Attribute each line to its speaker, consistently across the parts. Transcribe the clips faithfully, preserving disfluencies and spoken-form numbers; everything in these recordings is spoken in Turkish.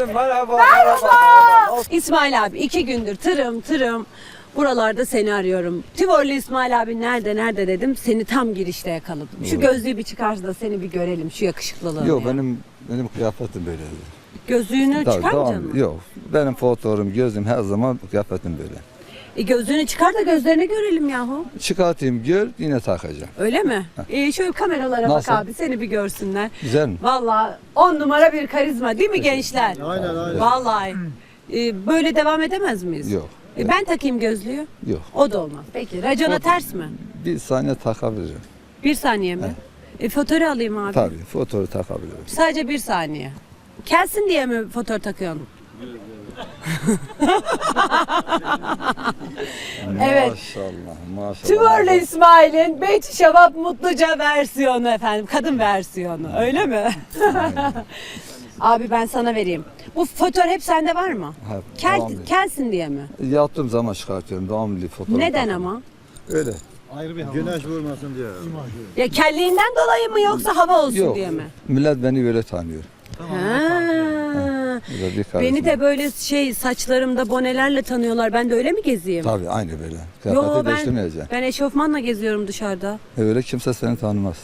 Speaker 1: efendim, merhaba.
Speaker 2: Merhaba. İsmail abi iki gündür tırım tırım buralarda seni arıyorum. Tivorlu İsmail abi nerede nerede dedim. Seni tam girişte yakaladım. Şu gözlüğü bir çıkar da seni bir görelim. Şu yakışıklılığını.
Speaker 1: Yok
Speaker 2: ya.
Speaker 1: benim benim kıyafetim böyle.
Speaker 2: Gözlüğünü
Speaker 1: Tabii,
Speaker 2: çıkarmayacaksın mı?
Speaker 1: Yok. Benim fotoğrafım, gözüm her zaman kıyafetim böyle.
Speaker 2: E gözlüğünü çıkar da gözlerini görelim yahu.
Speaker 1: Çıkartayım gör yine takacağım.
Speaker 2: Öyle mi? E şöyle kameralara
Speaker 1: Nasıl?
Speaker 2: bak abi seni bir görsünler.
Speaker 1: Güzel mi?
Speaker 2: Vallahi on numara bir karizma değil mi gençler?
Speaker 3: Aynen aynen.
Speaker 2: Vallahi. E, böyle devam edemez miyiz?
Speaker 1: Yok.
Speaker 2: E, ben takayım gözlüğü.
Speaker 1: Yok.
Speaker 2: O da olmaz. Peki racona ters mi?
Speaker 1: Bir saniye takabilirim.
Speaker 2: Bir saniye mi? E, fotoğrafı alayım abi.
Speaker 1: Tabii fotoğrafı takabilirim.
Speaker 2: Sadece bir saniye. Kelsin diye mi fotoğraf takıyorsun? Evet.
Speaker 1: Maşallah maşallah.
Speaker 2: Tivorlu İsmail'in Beyti Şevap Mutluca versiyonu efendim. Kadın versiyonu. Öyle mi? Abi ben sana vereyim. Bu fotoğraf hep sende var mı?
Speaker 1: Ha,
Speaker 2: Kel,
Speaker 1: devamlı.
Speaker 2: kelsin diye mi?
Speaker 1: Yattığım zaman çıkartıyorum devamlı fotoğraf.
Speaker 2: Neden
Speaker 1: takıyorum.
Speaker 2: ama?
Speaker 1: Öyle.
Speaker 3: Ayrı bir güneş vurmasın diye.
Speaker 2: Ya kelliğinden dolayı mı yoksa hava olsun
Speaker 1: Yok.
Speaker 2: diye mi?
Speaker 1: Millet beni böyle tanıyor.
Speaker 2: Ha.
Speaker 1: Bu da bir
Speaker 2: Beni
Speaker 1: karizma.
Speaker 2: de böyle şey saçlarımda bonelerle tanıyorlar. Ben de öyle mi gezeyim?
Speaker 1: Tabii aynı böyle.
Speaker 2: Yo
Speaker 1: Kıyafeti
Speaker 2: ben,
Speaker 1: değiştirmeyeceksin.
Speaker 2: ben eşofmanla geziyorum dışarıda.
Speaker 1: Öyle kimse seni tanımaz.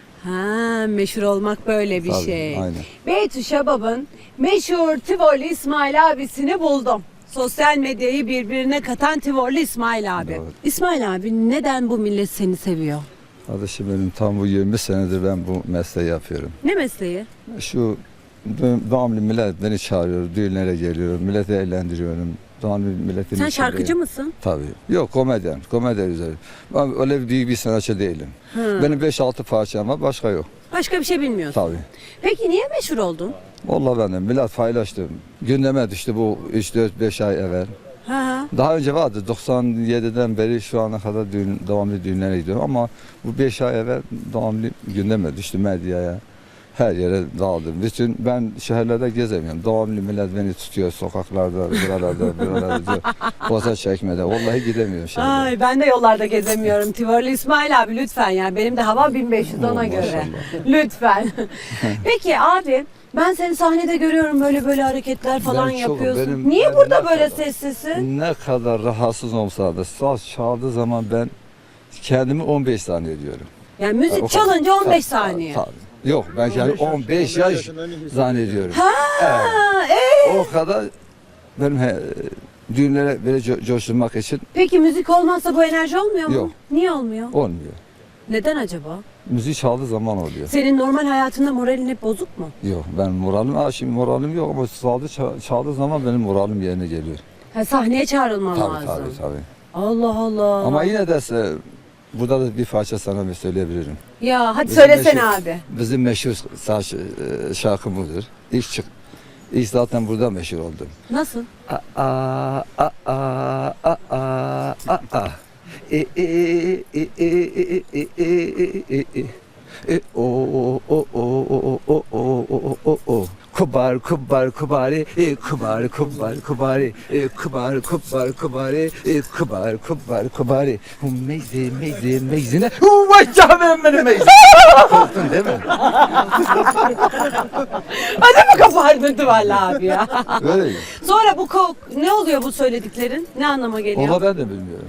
Speaker 2: Ha, meşhur olmak böyle bir
Speaker 1: Tabii,
Speaker 2: şey.
Speaker 1: aynen.
Speaker 2: Beytü Şebab'ın meşhur Tivorlu İsmail abisini buldum. Sosyal medyayı birbirine katan Tivorlu İsmail abi.
Speaker 1: Doğru.
Speaker 2: İsmail abi neden bu millet seni seviyor?
Speaker 1: Kardeşim benim tam bu yirmi senedir ben bu mesleği yapıyorum.
Speaker 2: Ne mesleği?
Speaker 1: Şu devamlı millet beni çağırıyor, düğünlere geliyorum, milleti eğlendiriyorum. Devamlı milletin
Speaker 2: Sen
Speaker 1: içindeyim.
Speaker 2: şarkıcı mısın?
Speaker 1: Tabii. Yok komedyen, komedyen üzeri. Ben öyle büyük bir sanatçı değilim.
Speaker 2: Hı.
Speaker 1: Benim beş altı parçam var, başka yok.
Speaker 2: Başka bir şey bilmiyorsun.
Speaker 1: Tabii.
Speaker 2: Peki niye meşhur oldun?
Speaker 1: Vallahi ben de millet paylaştı. Gündeme düştü bu üç dört beş ay evvel.
Speaker 2: Ha ha.
Speaker 1: Daha önce vardı doksan yediden beri şu ana kadar düğün, devamlı düğünlere gidiyorum ama bu beş ay evvel devamlı gündeme düştü medyaya. Her yere dağıldım. Bütün ben şehirlerde gezemiyorum. Devamlı millet beni tutuyor sokaklarda, buralarda, buralarda. Boza çekmede. Vallahi gidemiyorum şehirde.
Speaker 2: Ay ben de yollarda gezemiyorum. Tivorlu İsmail abi lütfen yani. Benim de hava bin beş yüz
Speaker 1: Oo,
Speaker 2: ona göre.
Speaker 1: maşallah.
Speaker 2: Lütfen. Peki abi ben seni sahnede görüyorum böyle böyle hareketler falan
Speaker 1: Ben çok-
Speaker 2: yapıyorsun.
Speaker 1: benim-
Speaker 2: Niye
Speaker 1: ben
Speaker 2: burada
Speaker 1: ne
Speaker 2: böyle
Speaker 1: kadar-
Speaker 2: sessizsin?
Speaker 1: Ne kadar rahatsız olsa da saz çaldığı zaman ben kendimi on beş saniye diyorum.
Speaker 2: Yani
Speaker 1: O
Speaker 2: müzik
Speaker 1: kadar.
Speaker 2: çalınca on beş
Speaker 1: Tabii,
Speaker 2: saniye.
Speaker 1: tabii. Yok ben yani on beş yaş zannediyorum.
Speaker 2: Ha, e,
Speaker 1: O kadar benim he, düğünlere böyle co- coşturmak için
Speaker 2: peki müzik olmazsa bu enerji olmuyor mu?
Speaker 1: Yok.
Speaker 2: Niye olmuyor?
Speaker 1: olmuyor.
Speaker 2: Neden acaba?
Speaker 1: Müzik çaldığı zaman oluyor.
Speaker 2: Senin normal hayatında moralin hep bozuk mu?
Speaker 1: Yok ben moralim, ha şimdi moralim yok ama çaldı, ça- çaldığı zaman benim moralim yerine geliyor.
Speaker 2: Ha, sahneye çağrılman
Speaker 1: Tabii
Speaker 2: lazım.
Speaker 1: tabii tabii.
Speaker 2: Allah Allah.
Speaker 1: Ama yine de se- burada da bir parça sana bir söyleyebilirim.
Speaker 2: Ya hadi
Speaker 1: Bizim
Speaker 2: söylesene
Speaker 1: meşhur-
Speaker 2: abi.
Speaker 1: Bizim meşhur saç, e, şarkı budur. İlk çık. İlk zaten burada meşhur oldum.
Speaker 2: Nasıl?
Speaker 1: A a a a a a a a. E e e e e e e e e e. E o o o o o o o o o. Kubar kubar kubari, e kubar kubar kubari, e kubar kubar kubari, e kubar kubar kubari. Meyze meyze meyzine. Vay canım benim meyze. Korktun değil mi?
Speaker 2: Hadi mi kopardırdı valla abi ya.
Speaker 1: Öyle mi?
Speaker 2: Sonra bu ko- ne oluyor bu söylediklerin? Ne anlama geliyor?
Speaker 1: Valla ben de bilmiyorum.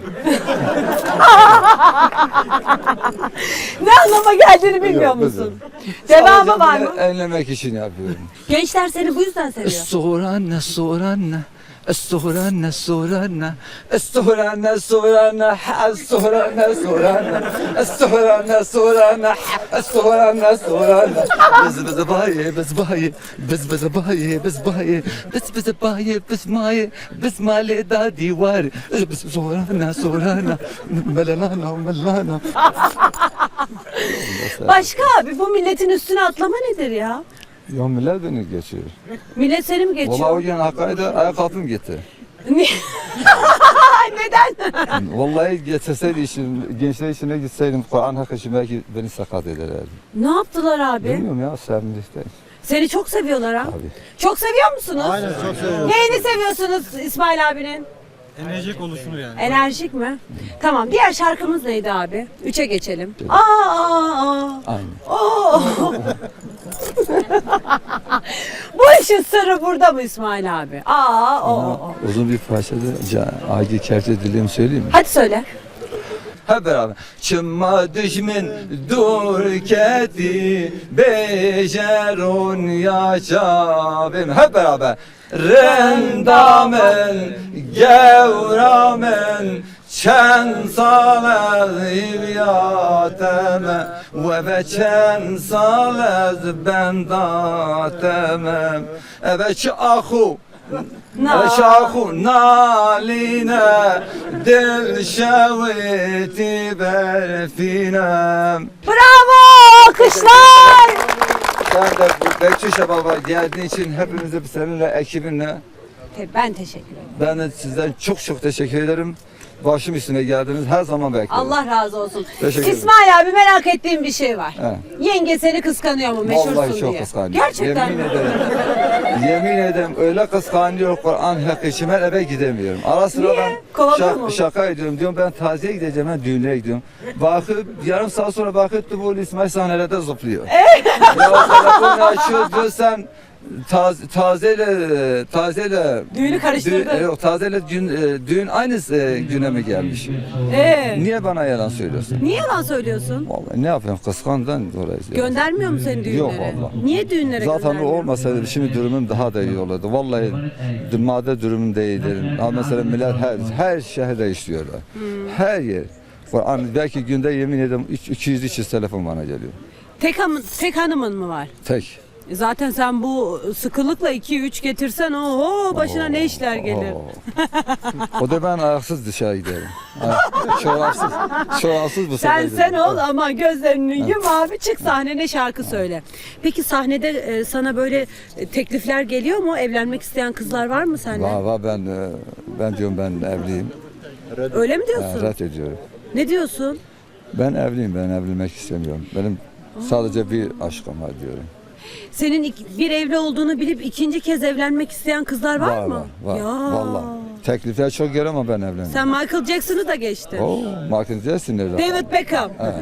Speaker 2: Ne anlama geldiğini bilmiyor
Speaker 1: Yok,
Speaker 2: musun? Devamı var mı?
Speaker 1: Enlemek için yapıyorum.
Speaker 2: Gençler seni bu yüzden seviyor.
Speaker 1: Sorana sorana Sorana sorana Sorana sorana Sorana sorana Sorana sorana Sorana sorana Biz bize bayi biz bayi Biz bize bayi biz bayi Biz bize bayi biz mayi Biz mali da divar Biz sorana sorana Melanana melana.
Speaker 2: Başka abi bu milletin üstüne atlama nedir ya?
Speaker 1: Ya millet beni geçiyor.
Speaker 2: Millet seni mi
Speaker 1: Valla o
Speaker 2: geçiyor?
Speaker 1: gün Hakkari'de ayakkabım gitti.
Speaker 2: Ni- Neden?
Speaker 1: Vallahi getirseydi işim, gençler işine gitseydim Kur'an hakkı için belki beni sakat ederlerdi.
Speaker 2: Ne yaptılar abi?
Speaker 1: Bilmiyorum ya sevimlilikten.
Speaker 2: Seni çok seviyorlar ha.
Speaker 1: Tabii.
Speaker 2: Çok seviyor musunuz?
Speaker 3: Aynen çok seviyorum.
Speaker 2: Neyini seviyorsunuz İsmail abinin?
Speaker 4: Enerjik oluşunu yani.
Speaker 2: Enerjik mi? Tamam. Diğer şarkımız neydi abi? Üçe geçelim. Aa, aa, aa.
Speaker 1: Aynen.
Speaker 2: Oo. Bu işin sırrı burada mı İsmail abi? Aa, o, o, o.
Speaker 1: Uzun bir parçada Ca- Agi Kevce dilimi söyleyeyim mi?
Speaker 2: Hadi söyle.
Speaker 1: Hep beraber. Çıma düşmün dur keti becerun yaşabim. Hep beraber. Rendamen gevramen çen salez ivyateme ve be çen salez bendatemem eve çi ahu Şahu naline dil şeviti berfinem.
Speaker 2: Bravo! Alkışlar!
Speaker 1: Ben de Bekçi Şebaba geldiğin için hepimize seninle ekibinle
Speaker 2: Te- Ben teşekkür ederim.
Speaker 1: ben de sizden çok çok teşekkür ederim. Başım üstüne geldiniz. Her zaman beklerim.
Speaker 2: Allah razı olsun.
Speaker 1: Teşekkür ederim.
Speaker 2: İsmail abi merak ettiğim bir şey var.
Speaker 1: He.
Speaker 2: Yenge seni kıskanıyor mu meşhursun
Speaker 1: Vallahi çok
Speaker 2: diye?
Speaker 1: kıskanıyor.
Speaker 2: Gerçekten
Speaker 1: Yemin
Speaker 2: mi?
Speaker 1: ederim. Yemin ederim öyle kıskanıyor Kur'an hakkı için ben eve gidemiyorum. Ara sıra
Speaker 2: Niye?
Speaker 1: ben
Speaker 2: Kovalıyor mu?
Speaker 1: şaka, şaka ediyorum. Diyorum ben taziye gideceğim, ben düğüne gidiyorum. Bakıp yarım saat sonra bakıp bu İsmail sahnelerde zıplıyor. ya telefonu açıyor diyor sen taz, tazeyle tazeyle
Speaker 2: Düğünü karıştırdın.
Speaker 1: Düğün, yok, tazeyle düğün, e, düğün aynı e, güne mi gelmiş?
Speaker 2: Ee,
Speaker 1: Niye bana yalan söylüyorsun?
Speaker 2: niye yalan söylüyorsun?
Speaker 1: Vallahi ne yapayım kıskandan dolayı.
Speaker 2: Göndermiyor mu seni düğünlere?
Speaker 1: Yok vallahi.
Speaker 2: Niye düğünlere
Speaker 1: Zaten o
Speaker 2: göndermiyor?
Speaker 1: olmasaydı şimdi durumum daha da iyi olurdu. Vallahi madde durumum da iyidir. Ama mesela millet her, her şehirde işliyorlar.
Speaker 2: Hmm.
Speaker 1: Her yer. Var- Belki günde yemin ederim iki yüz üç yüz telefon bana geliyor.
Speaker 2: Tek, hanım- tek hanımın mı var?
Speaker 1: Tek.
Speaker 2: E Zaten sen bu sıkılıkla iki üç getirsen oho başına ne işler gelir.
Speaker 1: Oo. O da ben ayaksız dışarı giderim. Ay, Çorapsız. Çorapsız bu
Speaker 2: Sen
Speaker 1: sefer
Speaker 2: sen
Speaker 1: giderim.
Speaker 2: ol ama gözlerini yum abi çık sahnene şarkı söyle. Peki sahnede e, sana böyle e, teklifler geliyor mu? Evlenmek isteyen kızlar var mı sende?
Speaker 1: Var var ben e, ben diyorum ben evliyim.
Speaker 2: Öyle mi
Speaker 1: Ha,
Speaker 2: diyorsun?
Speaker 1: red ediyorum.
Speaker 2: Ne diyorsun?
Speaker 1: Ben evliyim, ben evlenmek istemiyorum. Benim sadece bir aşkım var diyorum.
Speaker 2: Senin ik- bir evli olduğunu bilip ikinci kez evlenmek isteyen kızlar var,
Speaker 1: Var
Speaker 2: mı?
Speaker 1: var var.
Speaker 2: Ya.
Speaker 1: Vallahi. Teklifler çok geliyor ama ben evlenmiyorum.
Speaker 2: Sen Michael Jackson'ı da geçtin.
Speaker 1: Oo, Michael Jackson nerede?
Speaker 2: David Beckham.
Speaker 1: Ha,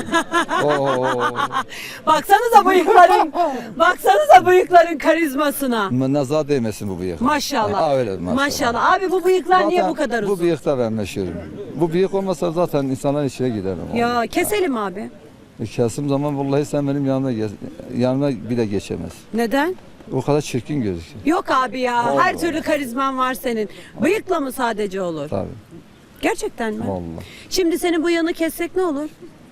Speaker 1: o. Oo.
Speaker 2: Baksanıza bıyıkların. baksanıza bıyıkların karizmasına.
Speaker 1: Ma- Nazar değmesin bu bıyık.
Speaker 2: Maşallah.
Speaker 1: Ha, öyle maşallah.
Speaker 2: Maşallah. Abi bu bıyıklar niye
Speaker 1: Zaten
Speaker 2: bu kadar uzun?
Speaker 1: Bu bıyıkta ben meşhurum. Bu bıyık olmasa zaten insanların içine giderim.
Speaker 2: Ya keselim abi.
Speaker 1: E, Kesim zaman vallahi sen benim yanıma, ge- yanıma bile geçemez.
Speaker 2: Neden?
Speaker 1: O kadar çirkin gözüküyor.
Speaker 2: Yok abi ya.
Speaker 1: Vallahi.
Speaker 2: Her türlü karizman var senin. Bıyıkla mı sadece olur?
Speaker 1: Tabii.
Speaker 2: Gerçekten mi?
Speaker 1: Vallahi.
Speaker 2: Şimdi senin bu yanı kessek ne olur?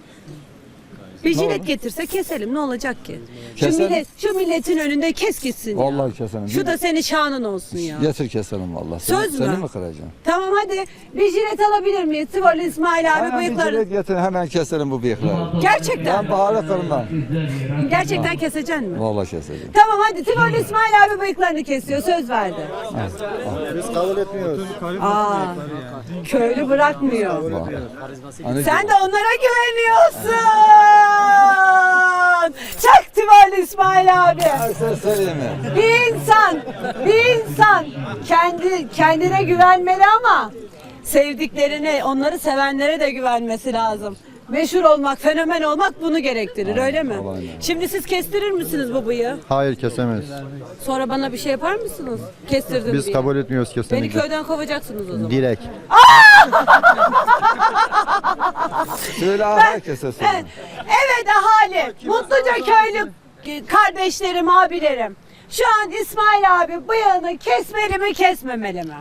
Speaker 2: Bir
Speaker 1: Ne
Speaker 2: jilet
Speaker 1: olur?
Speaker 2: getirse keselim ne olacak ki? Şu,
Speaker 1: Keselim.
Speaker 2: millet, şu milletin önünde kes gitsin ya.
Speaker 1: Vallahi keselim.
Speaker 2: Şu da senin şanın olsun ya.
Speaker 1: Getir keselim vallahi. Seni,
Speaker 2: Söz mü?
Speaker 1: Seni mi kıracağım?
Speaker 2: Tamam hadi bir jilet alabilir miyiz? Tivoli İsmail abi
Speaker 1: Hemen bir
Speaker 2: bıyıkları.
Speaker 1: jilet getir hemen keselim bu bıyıkları.
Speaker 2: Gerçekten.
Speaker 1: Ben baharı kırmam.
Speaker 2: Gerçekten keseceksin mi?
Speaker 1: Vallahi keseceğim.
Speaker 2: Tamam hadi Tivoli İsmail abi bıyıklarını kesiyor söz verdi.
Speaker 3: Biz kabul etmiyoruz.
Speaker 2: Aa, köylü bırakmıyor.
Speaker 1: Vallahi. Hani
Speaker 2: Sen de onlara güveniyorsun. Çak Tivoli İsmail abi.
Speaker 1: sen söyleyeyim mi?
Speaker 2: Bir insan, bir insan kendi kendine güvenmeli ama sevdiklerine, onları sevenlere de güvenmesi lazım. Meşhur olmak, fenomen olmak bunu gerektirir, öyle mi?
Speaker 1: aynen.
Speaker 2: Şimdi siz kestirir misiniz bu bıyığı?
Speaker 3: Hayır kesemeyiz.
Speaker 2: Sonra bana bir şey yapar mısınız? Kestirdim
Speaker 3: Biz
Speaker 2: diye.
Speaker 3: kabul etmiyoruz
Speaker 2: Beni
Speaker 3: kesinlikle.
Speaker 2: köyden kovacaksınız o zaman.
Speaker 3: Direkt.
Speaker 1: Söyle herkese söyle.
Speaker 2: Evet, evet ahali, Mutluca köylü kardeşlerim, abilerim. Şu an İsmail abi bıyığını kesmeli mi kesmemeli mi?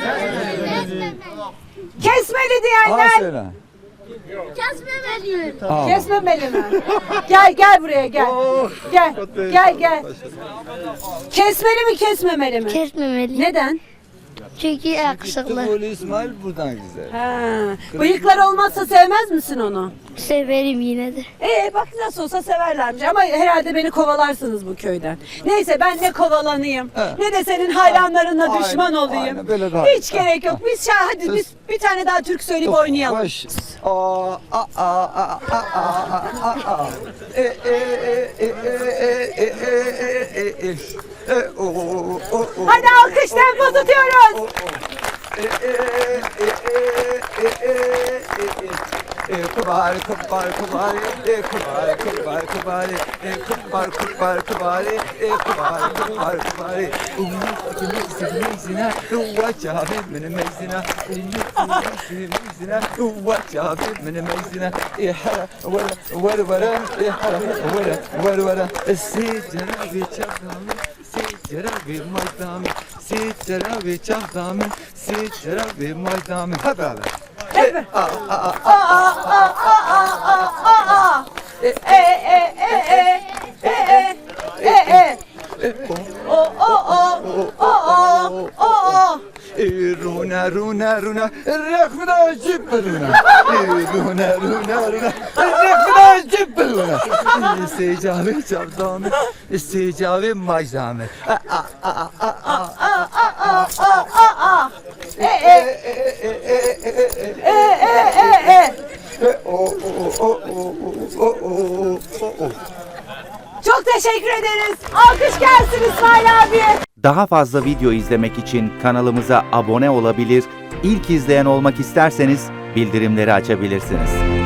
Speaker 2: Kesmeli
Speaker 1: Aa
Speaker 2: diyenler
Speaker 1: söyle.
Speaker 5: Kesmemeliyim.
Speaker 1: Aa.
Speaker 2: kesmemeli mi? Gel gel buraya gel. Gel gel gel. Kesmeli mi kesmemeli mi?
Speaker 5: Kesmemeli.
Speaker 2: Neden?
Speaker 5: Çünkü yakışıklı.
Speaker 1: Tıpkı İsmail buradan güzel.
Speaker 2: Ha, bıyıklar olmazsa sevmez misin onu?
Speaker 5: Severim yine de.
Speaker 2: Ee bak nasıl olsa severlermiş ama herhalde beni kovalarsınız bu köyden. Neyse ben ne kovalanayım ne de senin hayranlarına
Speaker 1: Aynen,
Speaker 2: düşman olayım.
Speaker 1: aynen, böyle daha-
Speaker 2: Hiç gerek yok. Biz şah hadi biz bir tane daha türkü söyleyip oynayalım.
Speaker 1: Baş. Aa a a a a a a a. E e e e e e e e e. E o o o.
Speaker 2: Hadi alkış tempo tutuyoruz.
Speaker 1: E e e e e e e. e kubari kubari kubari e kubari kubari kubari e kubari kubari kubari e kubari kubari kubari ummi mezina wachabe min mezina ummi mezina wachabe min mezina e hara wara wara e hara wara wara wara sicra vichadam sicra vimaydam sicra vichadam sicra vimaydam hep beraber
Speaker 2: E e e e e e e e o o o o o o o
Speaker 1: Runa runa runa rekna cibeluna Runa runa runa rekna cibeluna Secavi çavdamı secavi majdamı
Speaker 2: e e e e e e Çok teşekkür ederiz. Alkış gelsin İsmail abi.
Speaker 6: Daha fazla video izlemek için kanalımıza abone olabilir, ilk izleyen olmak isterseniz bildirimleri açabilirsiniz.